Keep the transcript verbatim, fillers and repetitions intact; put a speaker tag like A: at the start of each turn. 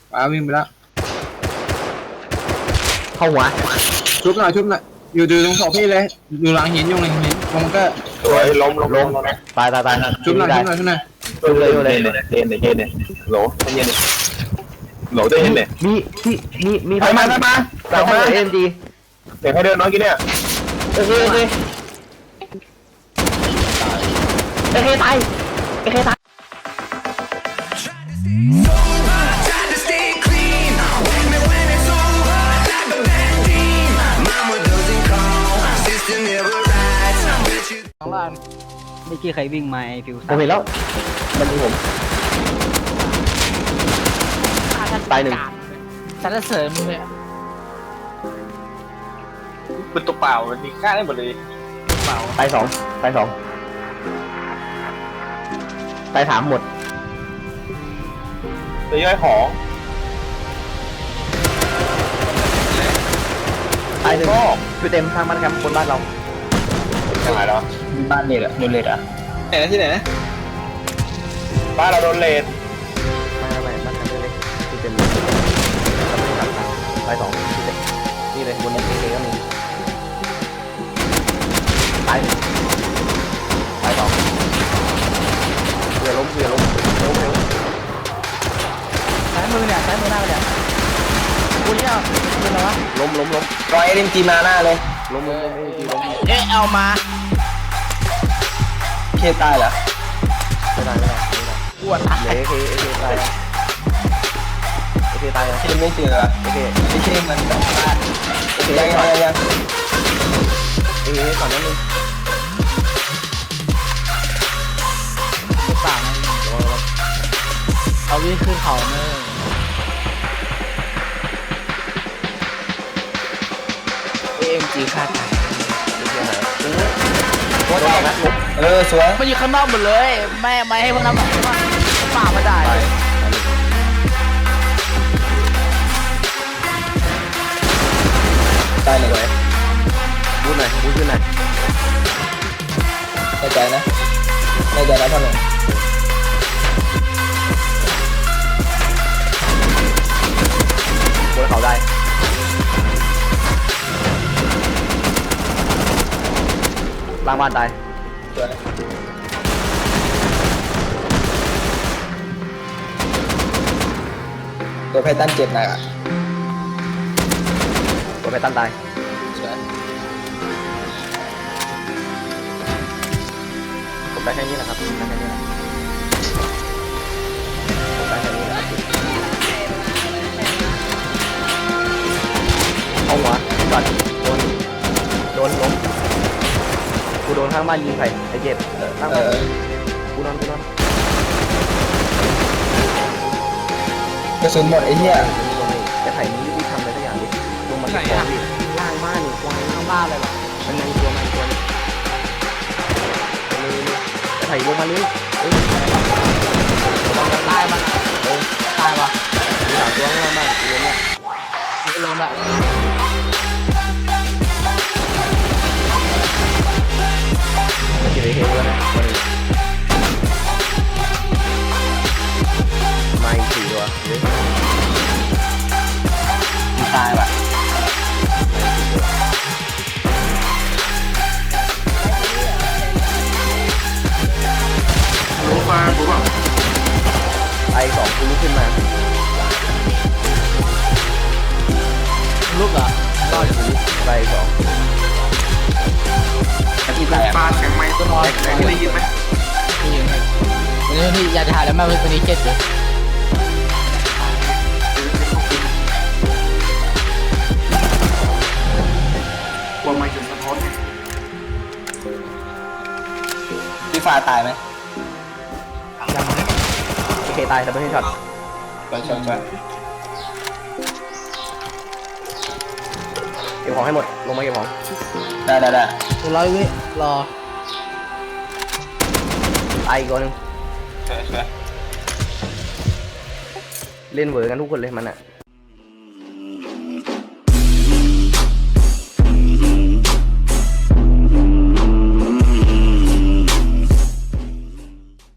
A: ป้าวิ่งไปแล้ว
B: เข้าหัว
A: ชุบหน่อยชุบหน่อยอยู่ดูตรงศพพี่เลยอยู่หลังหินอยู่หลังหินลงก็
C: สวยล้มล้มล้ม
B: ตายตายตาย
A: ชุบหน่อยชุบหน่อยชุบหน่อย
B: ชุบเลยชุบเลย
C: เย็นเย็นเย็นเย็นโหลเย็นโหลได้เย็นเนี่ย
B: มีมีมีมี
C: ไปมาไปมา
B: แต่ว่าเอ็มดี
C: เดี๋ยวให้เดินน้อยกินเนี่ย
B: โอเคโอเคโอเคตายโอเคตาย
D: ข้างล่างไม่กี่ใครวิ่งมาไอ้ฟิว
B: ผมเห็นแล้วมันมีผมตายหนึ่ง
D: สรรเสริญมึงเลย
C: เป็นตัวเปล่ามันมีค่าได้หมดเลย
D: เปล่า
B: ตายสองตายสองตายสามหมด
C: ตัวย่อยของ
B: ตายหนึ่งคือเต็มทางบ้านแคมป์บนบ้านเรา
C: ยังไงเหรอ
B: บ้านเนี่ยแหละโดนเลดอ่ะ
C: ไหนนะที่ไหนนะบ้านเราโดนเลด
B: ไม่ไม่บ้านแคมป์เลยคือเต็มตายสองคือเต็มนี่เลยบนนี้เลยก็มีตายตายสองเรือล้มเรือล้มเร็วเร็ว
D: ซ้ายมือเนี่ยซ้ายมือหน้าเนี่ยกูเนี่ยเป็นอะไรวะ
B: ล้มล้มล้ม
C: รอยเอ็มจีมาหน้าเลย
B: ล้มล้มล้มเอ็มจีล้ม
D: เอ๊ะเอามา
C: เคตายเหรอ
B: ไม่ได้ไม่ได้ไม่ได้
D: ปวดตาย
B: เอเคเอเคตายเอเคตาย
C: เคไม่เจอ
B: เอเค
C: ไม่เคมันแบบว่าโอเคยังยังยัง
B: เอเคก่อนนั้นนึง
D: ต่างเอาวิ่งขึ้นเขาเนอะเอ็มจีฆ่าตาย
C: เออสวย
D: มันอยู่ข้างนอกหมดเลยแม่ไม่ให้พวกนั้นแบบว่าป่ามาได้
C: ตายเลย
B: บูทหน่อยบูทขึ้นหน่อย
C: ในใจนะในใจนะท่านหนึ่ง
B: บนเขาได้ล่างบ้านตาย
C: ตัวไพตันเจ็บหนักอ่ะ
B: ตัวไพตันตายผมได้แค่นี้แหละครับได้แค่นี้แหละผมได้แค่นี้แหละเอาหัวก่อนโดนโดนล้มกูโดนข้างบ้านยิงไผ่ไอ้เจ็บเออข้างบ้านกูนอนกูนอน
C: กระสุนหมดไอ้เหี้ย
B: จะไผ่นี้รีบทำอะไรสักอย่างดิลงมาที่ของดิล่างบ้านนี่ควาย
D: ข้างบ้านเลยหรอ
B: มันยังตัวมันตัวนี้จะไผ่ลงมาเลยเอ้ย
D: ตายมัน
B: เออ
D: ตายวะ
B: มีสามตัวข้างบ้านตัวนี้
D: ลงแบบ
B: มันจะได้เห็นแล้วนะวันนี้มาอีกสี่ตัวเฮ้ย
C: ตายว่ะรู้มารู้ป่ะ
B: ไอสองคุณลุกขึ้นมา
D: ลุกเหรอ
B: รอดคุณลุกไปสอง
C: ที่แตกฟาดแข็งไหมต้นไม้แข็งได้ยินไหม
D: ได้ยินไหมวันนี้พี่อยากจะหาแล้วแม่วันนี้เจ็ดเลย
C: กลัวไม่จุดสะท้อนพี่ฟ้าตายไหม
B: ยังโอเคตายแต่ไม่ใช่ช็อต
C: ไปช็อตช็อต
B: เก็บของให้หมดลงมาเก็บของ
C: ได้ได้ได้
D: ร้อยวิรอ
B: ตายอีกตัวนึง
C: ใช่ใช่
B: เล่นเวอร์กันทุกคนเลยมันอ่ะ